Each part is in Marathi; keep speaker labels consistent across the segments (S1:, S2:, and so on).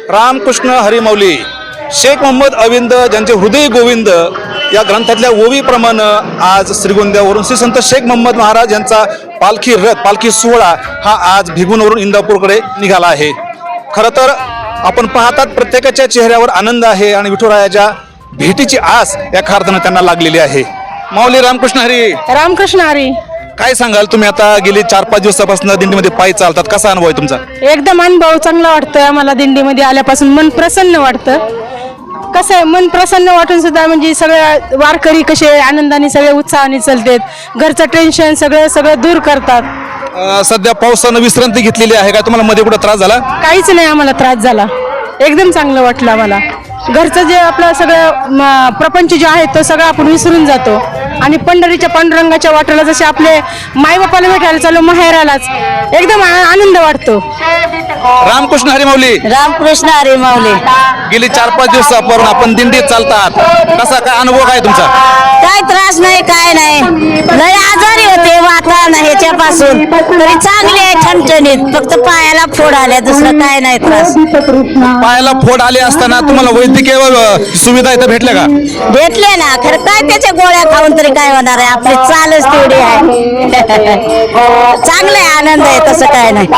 S1: रामकृष्ण हरिमौली शेख मोहम्मद अविंद ज्यांचे हृदय गोविंद या ग्रंथातल्या ओवीप्रमाणे आज श्रीगोंद्यावरून श्री संत शेख मोहम्मद महाराज यांचा पालखी सोहळा हा आज भिगवणवरून इंदापूरकडे निघाला आहे। खरं तर आपण पाहतात प्रत्येकाच्या चेहऱ्यावर आनंद आहे आणि विठुरायाच्या भेटीची आस या खार्दनं त्यांना लागलेली आहे। माऊली रामकृष्ण हरी।
S2: रामकृष्ण हरी।
S1: काय सांगाल, तुम्ही आता गेली 4-5 दिवसापासून दिंडीमध्ये पायी चालतात, कसा अनुभव आहे तुमचा?
S2: एकदम अनुभव चांगला वाटतोय आम्हाला। दिंडीमध्ये आल्यापासून मन प्रसन्न वाटतं। कसं आहे, मन प्रसन्न वाटून सुद्धा म्हणजे सगळे वारकरी कसे आनंदाने सगळे उत्साहाने चालतात, घरचं टेन्शन सगळं दूर करतात।
S1: सध्या पावसानं विश्रांती घेतलेली आहे का? तुम्हाला मध्ये कुठं त्रास झाला?
S2: काहीच नाही आम्हाला त्रास झाला, एकदम चांगलं वाटलं आम्हाला। घरचं जे आपलं सगळं प्रपंच जे आहे तो सगळं आपण विसरून जातो आणि पंढरीच्या पांडुरंगाच्या वाटेला जसे आपले मायबापाला भेटायला चालू माहेरालाच एकदम आनंद वाटतो।
S1: रामकृष्ण हरिमौली।
S3: रामकृष्ण हरी माऊली।
S1: गेली 4-5 दिवसापासून आपण दिंडीत चालतात, कसा काय अनुभव काय तुमचा?
S3: काय त्रास नाही, काय नाही। लय आजारी होते वातावरण ह्याच्यापासून, तरी चांगले आहे, ठणठणीत। फक्त पायाला फोड आल्या, दुसरं काय नाही त्रास।
S1: पायाला फोड आले असताना तुम्हाला वैद्यकीय सुविधा इथं भेटल्या का?
S3: भेटले ना, खरं काय त्याच्या गोळ्या खाऊन तरी काय होणार आहे, आपली चालच तेवढी आहे। चांगलं आहे, आनंद आहे, तसं काय नाही।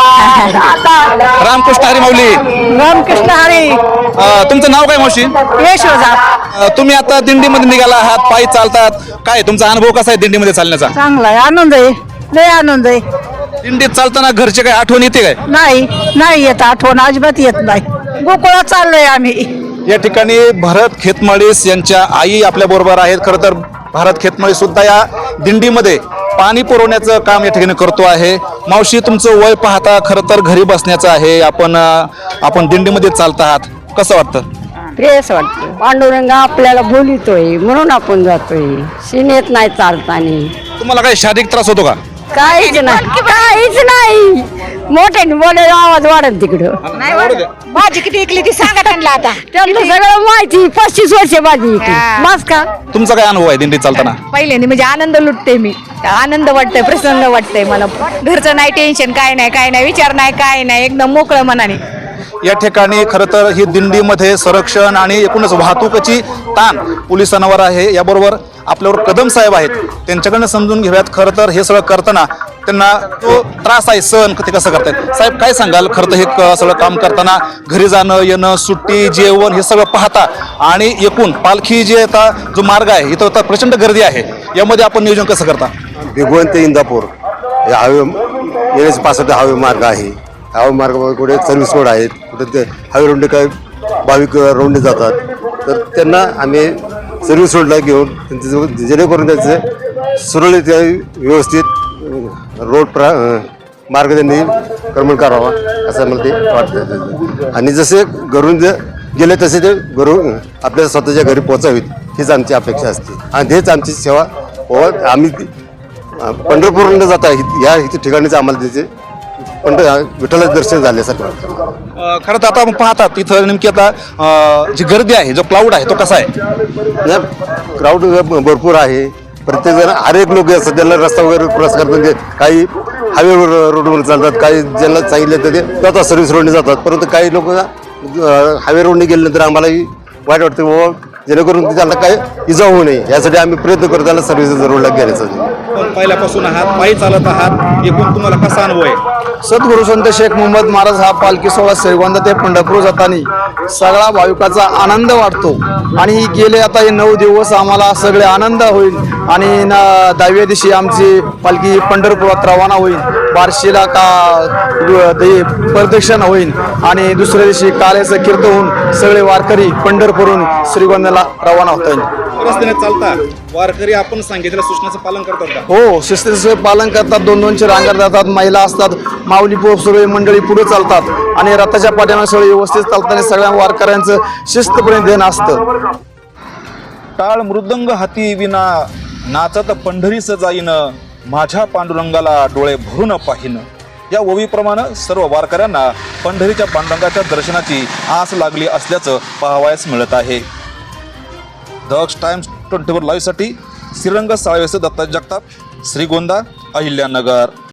S1: रामकृष्ण हरिमौली।
S2: रामकृष्ण हरी।
S1: तुमचं नाव काय मावशी?
S2: यशोदा।
S1: तुम्ही आता दिंडीमध्ये निघाला आहात, पायी चालतात, काय तुमचा अनुभव कसा आहे दिंडीमध्ये चालण्याचा?
S2: चांगला आहे, आनंद आहे, लय आनंद आहे।
S1: दिंडीत चालताना घरचे काय आठवण येते काय?
S2: नाही येत आठवण, अजिबात येत नाही। गोकुळात चाललोय आम्ही।
S1: या ठिकाणी भरत खेतमाळीस यांच्या आई आपल्या बरोबर आहेत। खरं तर भरत खेतमाळीस सुद्धा या दिंडीमध्ये पाणी पुरवण्याचं काम या ठिकाणी करतो आहे। मावशी, तुमचं वय पाहता खरं तर घरी बसण्याचं आहे, आपण दिंडीमध्ये चालत आहात, कसं वाटतं?
S4: फ्रेश वाटतं। पांडुरंग आपल्याला बोलितोय म्हणून आपण जातोय, सीनेत नाही चालताना।
S1: तुम्हाला काही शारीरिक त्रास होतो का?
S4: काहीच नाही। मोठ्याने बोले आवाज वाढेल तिकडं।
S2: भाजी किती इकली ती सांगा त्यांना आता।
S4: त्यांना सगळं माहिती, 25 वर्ष भाजी इकली बस का।
S1: तुमचा काय अनुभव आहे दिंडीत चालताना?
S2: पहिल्याने म्हणजे आनंद लुटते मी, आनंद वाटतंय, प्रसन्न वाटतंय मला। घरचं नाही टेन्शन, काय नाही विचार नाही, काय नाही, एकदम मोकळं मनाने।
S1: या ठिकाणी खरं तर ही दिंडीमध्ये संरक्षण आणि एकूणच वाहतुकीची ताण पोलिसांवर आहे। याबरोबर आपल्यावर कदम साहेब आहेत, त्यांच्याकडनं समजून घेऊयात खरं तर हे सगळं करताना त्यांना जो त्रास आहे सहन ते कसं करतायत। साहेब, काय सांगाल, खरं तर हे सगळं काम करताना घरी जाणं येणं, सुट्टी, जेवण हे सगळं पाहता आणि एकूण पालखी जे आता जो मार्ग आहे इथं आता प्रचंड गर्दी आहे, यामध्ये आपण नियोजन कसं करता?
S5: भिगवण ते इंदापूर या येण्याचे 65 हवे मार्ग आहे। हवे मार्गामध्ये कुठे सर्व्हिस रोड आहेत, कुठे ते हवे रोडने काय भाविक रोडने जातात, तर त्यांना आम्ही सर्व्हिस रोडला घेऊन त्यांचं जेणेकरून त्यांचं सुरळीत व्यवस्थित मार्ग त्यांनी क्रमण करावा असं मला ते वाटतं। आणि जसे घरून गेले तसे ते घरून आपल्या स्वतःच्या घरी पोचावीत हीच आमची अपेक्षा असते आणि हेच आमची सेवा आम्ही पंढरपूरला जाता या ठिकाणीच आम्हाला त्याचे विठ्ठलाचं दर्शन झाल्यासारखं वाटतं।
S1: खरं तर आता आपण पाहतात इथं नेमकी आता जी गर्दी आहे, जो क्राऊड आहे तो कसा आहे?
S5: क्राऊड भरपूर आहे। प्रत्येक जण हर एक लोक सध्याला रस्ता वगैरे क्रॉस करतात, काही हायवेवर रोडवर चालतात, काही ज्यांना सांगितलं तर ते स्वतः सर्व्हिस रोडने जातात, परंतु काही लोक हायवे रोडने गेल्यानंतर आम्हालाही वाईट वाटतं बाबा, जेणेकरून त्यांना काही इजा होऊ नये यासाठी आम्ही प्रयत्न करतो त्याला सर्व्हिस रोडला गेल्यासाठी।
S1: पण पहिल्यापासून आहात, पायी चालत आहात, एकूण तुम्हाला कसा अनुभव आहे?
S6: सद्गुरू संत शेख मोहम्मद महाराज हा पालखी सोहळा श्रीगोंदा ते पंढरपूर जाताना सगळा भाविकाचा आनंद वाटतो आणि गेले आता हे 9 दिवस आम्हाला सगळे आनंद होईल आणि 10व्या दिवशी आमची पालखी पंढरपुरात रवाना होईल, बार्शीला प्रदक्षिणा होईल आणि दुसऱ्या दिवशी काल्याचं कीर्तन होऊन सगळे वारकरी पंढरपूरहून श्रीगोंद्याला रवाना होतील।
S1: रस्त्याने चालता वारकरी आपण सांगितलेल्या सूचनाचं पालन करतात का?
S6: हो, शिस्तीचं पालन करतात, 2-2चे रांगात जातात, महिला असतात, माऊली सगळे मंडळी पुढे चालतात आणि रथाच्या पाठीमागे सगळे व्यवस्थित चालताना सगळ्या वारकऱ्यांचं शिस्तपणे ध्यान असतं।
S1: टाळ मृदंग हाती विना नाचत पंढरीस जाईन, माझ्या पांडुरंगाला डोळे भरून पाहिन। या ओवीप्रमाणे सर्व वारकऱ्यांना पंढरीच्या पांडुरंगाच्या दर्शनाची आस लागली असल्याचं पाहावयास मिळत आहे। दक्ष टाइम्स 24 लाईव्हसाठी श्रीरंग साळवेसह दत्ता जगताप, श्रीगोंदा, अहिल्यानगर।